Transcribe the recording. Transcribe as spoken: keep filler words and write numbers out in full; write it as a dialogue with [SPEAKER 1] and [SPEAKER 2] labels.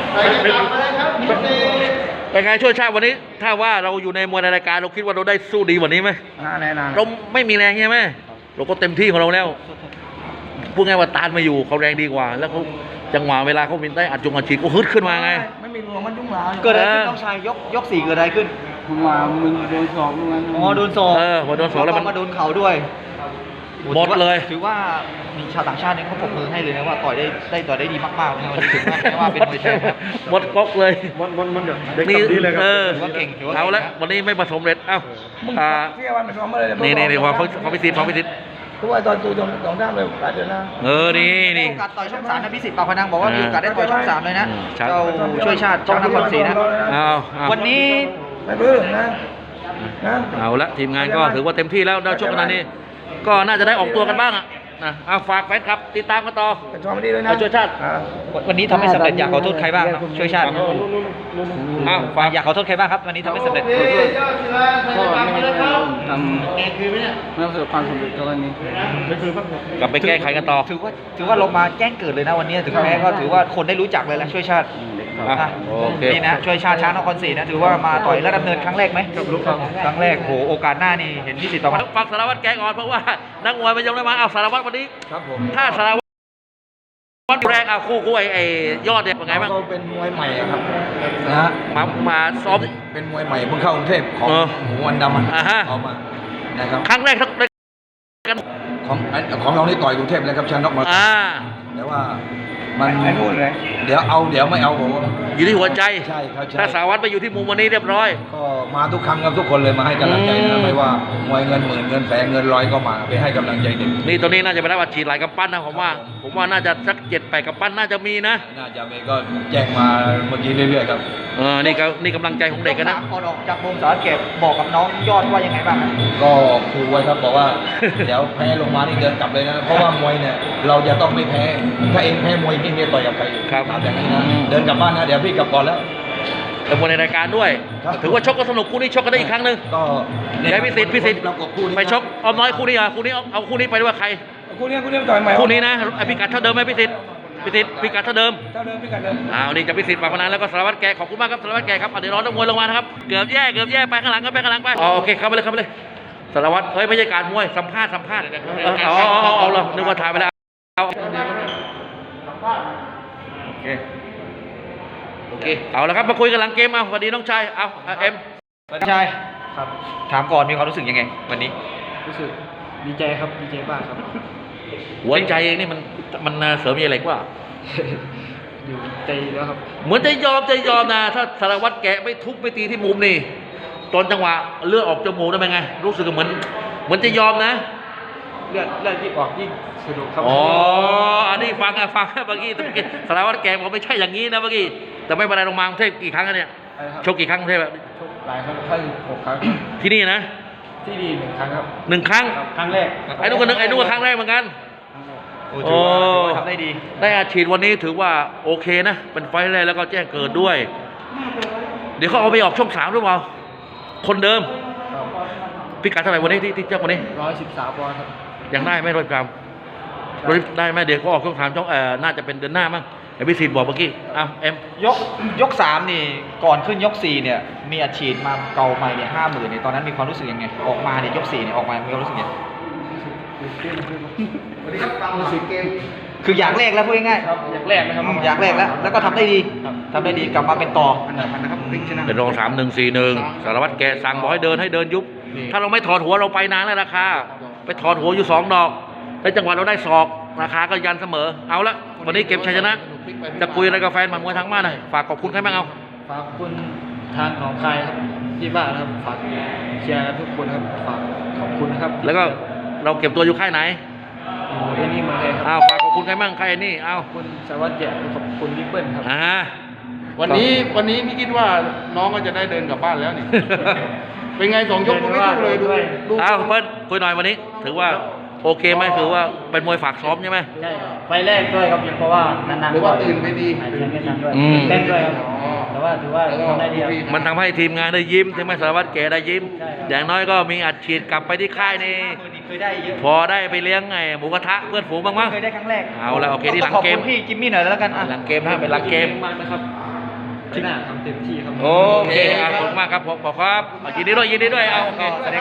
[SPEAKER 1] เป็นไงช่วยชาติวันนี้ถ้าว่าเราอยู่ในมวยในรายการเราคิดว่าเราได้สู้ดีกว่านี้ไหม
[SPEAKER 2] แน่นอน
[SPEAKER 1] เราไม่มีแรงใช่ไหมเราก็เต็มที่ของเราแล้วพูดง่ายว่าตานมาอยู่เขาแรงดีกว่าแล้วเขาจังหวะเวลาเขาบินได้อัดจงอัดฉีดก็ฮึดขึ้นมาไง
[SPEAKER 2] ไม่มีรวมมันยุ่งเหลา
[SPEAKER 3] เกิดอะไรขึ้นน้องชายยกยกสี่เกิดอะไรขึ้น
[SPEAKER 2] มามึงโดนสอบมึง
[SPEAKER 3] อ๋อโดนสอบ
[SPEAKER 1] เออพอโดนสอบแล้วมัน
[SPEAKER 3] มาโดนเข่าด้วย
[SPEAKER 1] หมดเลย
[SPEAKER 3] ถือว่ามีชาวต่างชาติเนี่ยเขาปรบมือให้เลยนะว่าต่อยได้ได้ต่อยได้ดีมากๆนะวันนี้ถือว่าแม้ว่าเป็นมวยแทนครับ
[SPEAKER 1] หมดก๊อกเลย
[SPEAKER 2] หมดหมดหมดเด็ก
[SPEAKER 1] นี่
[SPEAKER 2] ดีเลยครับ
[SPEAKER 3] ถือว่าเก่งถือว่า
[SPEAKER 1] เอาละวันนี้ไม่ประสมเร็จเอ้า
[SPEAKER 2] อ่าเที่ยววันไปซ้อมมาเลย
[SPEAKER 1] นี่นี่นี่ความความพิเศษความพิเศษ
[SPEAKER 2] ทุกวันตอนตัวสองด้ามเลยหลายเดือนนะ
[SPEAKER 1] เออนี่นี่
[SPEAKER 3] โอกาสต่อยช่องสามนะพิสิทธิ์ปากพนังบอกว่ามีโอกาสได้ต่อยช่องสามเลยนะเจ้าช่วยชาติช่องนครศรีนะ
[SPEAKER 1] เอา
[SPEAKER 3] วันนี้
[SPEAKER 2] ไม่เบื่อนะ
[SPEAKER 1] นะเอาละทีมงานก็ถือว่าเต็มที่แล้วได้ช่วงขนาดนี้ก็น่าจะได้ออกตัวกันบ้างอ่ะนะเอาฝากแฟนครับติดตามกันต่อ
[SPEAKER 2] ชอบดีเลยนะ
[SPEAKER 1] ช่วยชาติ
[SPEAKER 3] วันนี้ทำให้สำเร็จอยากขอโทษใครบ้างช่วยชาติ
[SPEAKER 1] อ้าวฝาก
[SPEAKER 3] อยากขอโทษใครบ้างครับวันนี้ทำให้สำเร็จ
[SPEAKER 2] ก็ไม่ได้ทำไม่ประสบความสำเร็จตอนนี้
[SPEAKER 1] กลับไปแก้ไขกันต่อ
[SPEAKER 3] ถือว่าถือว่าลงมาแจ้งเกิดเลยนะวันนี้ถึงแม้ก็ถือว่าคนได้รู้จักเลยแหละช่วยชาตินี่นะช่วยชาติช้างนครศรีนะถือว่ามาต่อยระดับเนินครั้งแรกไหมครั้งแรกโหโอกาสหน้านี่เห็นพี่สิทธิ์ประมาณ
[SPEAKER 1] ฝากสารวัตรแกก่อนเพราะว่านักมวยมันยังไม่มาเอาสารวัตรวันนี้ถ้าสารวัตรแรกเอาคู่คู่ไอ้ไอ้ยอดเนี่ยเป็นไงบ้าง
[SPEAKER 2] เขาเป็นมวยใหม่ครับนะฮะ
[SPEAKER 1] มามาซ้อม
[SPEAKER 2] เป็นมวยใหม่เพิ่งเข้ากรุงเทพของหมูวันดำเอามานะครับ
[SPEAKER 1] ครั้งแรกทั้ง
[SPEAKER 2] ของของเรานี่ต่อยกรุงเทพเลยครับชนะน็อกมาแต่ว่ามันเดี๋ยวเอาเดี๋ยวไม่เอาผม
[SPEAKER 1] อยู่ที่หัวใจ
[SPEAKER 2] ใช่ครับ
[SPEAKER 1] ถ้าสารวัตรไปอยู่ที่มุมวันนี้เรียบร้อย
[SPEAKER 2] ก็มาทุกครั้งครับทุกคนเลยมาให้กำลังใจนะไม่ว่ามวยเงินหมื่นเงินแสนเงินร้อยก็มาไปให้กำลังใจเด็ก
[SPEAKER 1] นี่ตัวนี้น่าจะไปได้วัดฉีดหลายกำปั้นนะผมว่าผมว่าน่าจะสักเจ็ดแปดกำปั้นน่าจะมีนะ
[SPEAKER 2] น่าจะมีก็แจ้งมาเมื่อกี้เรื่อยๆครับ
[SPEAKER 1] เออนี่ก็นี่กำลังใจของเด็กกันนะ
[SPEAKER 3] ก่อนออกจากวงสารเก็บบอกกับน้องยอดว่ายังไงบ้าง
[SPEAKER 2] ก็คูไว้ครับบอกว่าเดี๋ยวแพ้ลงมานี่เดินกลับเลยนะเพราะว่ามวยเนี่ยเราจะต้องไม่แพ้ถ้าเองแพ้มวยพี่เนี่ยต่อยกับใคร
[SPEAKER 1] ครับ
[SPEAKER 2] อย่างนี้นะเดินกลับบ้านนะเดี๋ยวพี่กลับก่อนแล้ว
[SPEAKER 1] แต่มวยในรายการด้วยถือว่าชกก็สนุกคู่นี้ชกกันได้อีกครั้งหนึ่ง
[SPEAKER 2] ก็
[SPEAKER 1] ได้พิสิทธิ์พิสิทธิ์ไปชกออมน้อยคู่นี้อ่ะคู่นี้เอาคู่นี้ไปด้วยใคร
[SPEAKER 2] คู่นี้คู่นี้ต่อยใหม่
[SPEAKER 1] คู่นี้นะไอพิกัดเท่าเดิมไหมพิสิทธิ์พิสิทธิ์พิกัดเท่าเดิม
[SPEAKER 2] เท่าเดิมพิกัดเดิม
[SPEAKER 1] อ้าวนี่จะพิสิทธิ์ปากพนันแล้วก็สารวัตรแกขอบคุณมากครับสารวัตรแกครับเดี๋ยวรอนักมวยลงมานะครับเกือบแย่เกือบแย่ไปข้างหลังก็ไปข้างหลังไปอ๋อโอเคเข้าไปเลยเข้าไปเลยสารวัตรเฮ้ยไม่ใช่การมวยสัมภาษณ์สัมภาษณ์อ๋อเอาเอาเรานึกว่าถ่ายไปแล้วเอาโอเคโอเคเอาละครับมาคุยกันหลังเกมเอาสวัสดีน้องชายเอาเอ็ม
[SPEAKER 3] น้องชายครับถามก่อนมีความรู้สึกยังไงวันนี้
[SPEAKER 2] รู้สึกดีใจครับดีใจมากครับ
[SPEAKER 1] หัวใจเองนี่มันมันเสริมอะไรกว่า
[SPEAKER 2] อยู่ใจแล้วครับ
[SPEAKER 1] เหมือนจะยอมจะยอมนะถ้าสารวัตรแกะไม่ทุบไม่ตีที่มุมนี่ตอนจังหวะเลือดออกจมูกได้ไหมไงรู้สึกเหมือนเหมือนจะยอมนะ
[SPEAKER 2] เลือดเลือดที่ออกยิ่งสนุกครับ
[SPEAKER 1] อ๋ออันนี้ฟังอะฟังเมื่อกี้เมื่อกี้สารวัตรแกบอกไม่ใช่อย่างนี้นะเมื่อกี้แต่ไม่เป็นไรลงมากรุงเทพกี่ครั้งเนี่ยชกกี่ครั้งกรุงเทพ
[SPEAKER 2] ชกหลายครั้งแค่หกครั้ง
[SPEAKER 1] ที่นี่นะ
[SPEAKER 2] ที่นี่หนึ่งครั้งครับ
[SPEAKER 1] หนึ่งครั้ง
[SPEAKER 2] ครั้งแรก
[SPEAKER 1] ไอ้นู่นก็นึกไอ้นู่นก็ครั้งแรกเหมือนกัน
[SPEAKER 3] โอ้ทำได้ดี
[SPEAKER 1] ได้อาชีพวันนี้ถือว่าโอเคนะเป็นไฟแรกแล้วก็แจ้งเกิดด้วยเดี๋ยวเขาเอาไปออกช่องสามหรือเปล่าคนเดิมพิกัดเท่าไหร่วันนี้ที่ที่เจ้าวันนี้
[SPEAKER 2] ร้อยสิบสามปอนด์ครับ
[SPEAKER 1] ยังได้ไหมร้อยกรัมได้ไหมเดี๋ยวเขาออกช่องสามช่องเอ่อน่าจะเป็นเดือนหน้ามั้งไอ้พิสิทธิ์บอกเมื่อกี้อ้าวเอ็ม
[SPEAKER 3] ยกยกสามนี่ก่อนขึ้นยกสี่เนี่ยมีอาชีพมาเก่าใหม่เนี่ยห้าหมื่นเนี่ยตอนนั้นมีความรู้สึกยังไงออกมาเนี่ยยกสี่เนี่ยออกมามีความรู้สึกยังไง
[SPEAKER 2] วันนี้ครับฟังรู้สึกเกม
[SPEAKER 3] คืออยากแรกแล้วพูดง่าย
[SPEAKER 2] ๆอยากแรกนะครับ
[SPEAKER 3] อยากแรกแล้วแล้วก็ทำได้ดีทำได้ดีกลับมาเป็นต่อ
[SPEAKER 2] อันดับมันนะครับ
[SPEAKER 1] เป็นรองสามหนึ่งสี่หนึ่งสารวัตรแกสั่งบอกให้เดินให้เดินยุบถ้าเราไม่ถอดหัวเราไปนานแล้วราคาไปถอดหัวอยู่สองดอกแล้วจังหวะเราได้ศอกราคาก็ยันเสมอเอาละวันนี้เก็บชัยชนะจะคุยอะไรกับแฟนหมัดมวยทั้งบ้านหน่อยฝากขอบคุณใครบ้างเอา
[SPEAKER 2] ฝากคุณทางของใครครับที่บ้านครับฝากเชียร์ทุกคนครับฝากขอบคุณครับ
[SPEAKER 1] แล้วก็เราเก็บตัวอยู่ค่ายไหน
[SPEAKER 2] เอ็นี่มาเลยครับ
[SPEAKER 1] อ้าวฝากขอบคุณใครบ้างใครนี่อ้าว
[SPEAKER 2] คุณสวัสดิ์แจ๋ขอบคุณพี่เปิ้ลครับ
[SPEAKER 1] อ่า
[SPEAKER 4] วันนี้วันนี้พี่คิดว่าน้องก็จะได้เดินกลับบ้านแล้วนี่ เป็นไงสองยกไม่สู้เลยด้วย
[SPEAKER 1] อ้าวเปิ้ลคุยหน่อยวันนี้ถือว่าโอเคไหมถือว่าเป็นมวยฝากซ้อมใช่ไหม
[SPEAKER 2] ใช่ไฟแรกด้วยครับเพราะว่านานๆ
[SPEAKER 4] หรือว่าตื่นไปดี
[SPEAKER 2] ตื่นไม่ทันด้วยเต้นด้วยครับแต่ว่าถือว่าทำได้ดี
[SPEAKER 1] มันทำให้ทีมงานได้ยิ้มใช่ไหมสารวัตรแกได้ยิ้มอย่างน้อยก็มีอัดฉีดกลับไปที่ค่ายนี่พอได้ไปเลี้ยงไงหมูกระทะเพื่อนฝูงบ้างมั้ง
[SPEAKER 3] เคยได้ครั้งแรก
[SPEAKER 1] เอาละโอเคที่หลังเกม
[SPEAKER 3] พี่จิมมี่หน่อยแล้วกัน
[SPEAKER 1] หลังเกมนะเป็นหลังเกม
[SPEAKER 2] มากนะครับ
[SPEAKER 3] ที่หน้าทำเต็มที่ครับ
[SPEAKER 1] โอเคอ่ะขอบคุณมากครับผมขอบครับยินดีด้วยยินดีด้วยเอาโอเค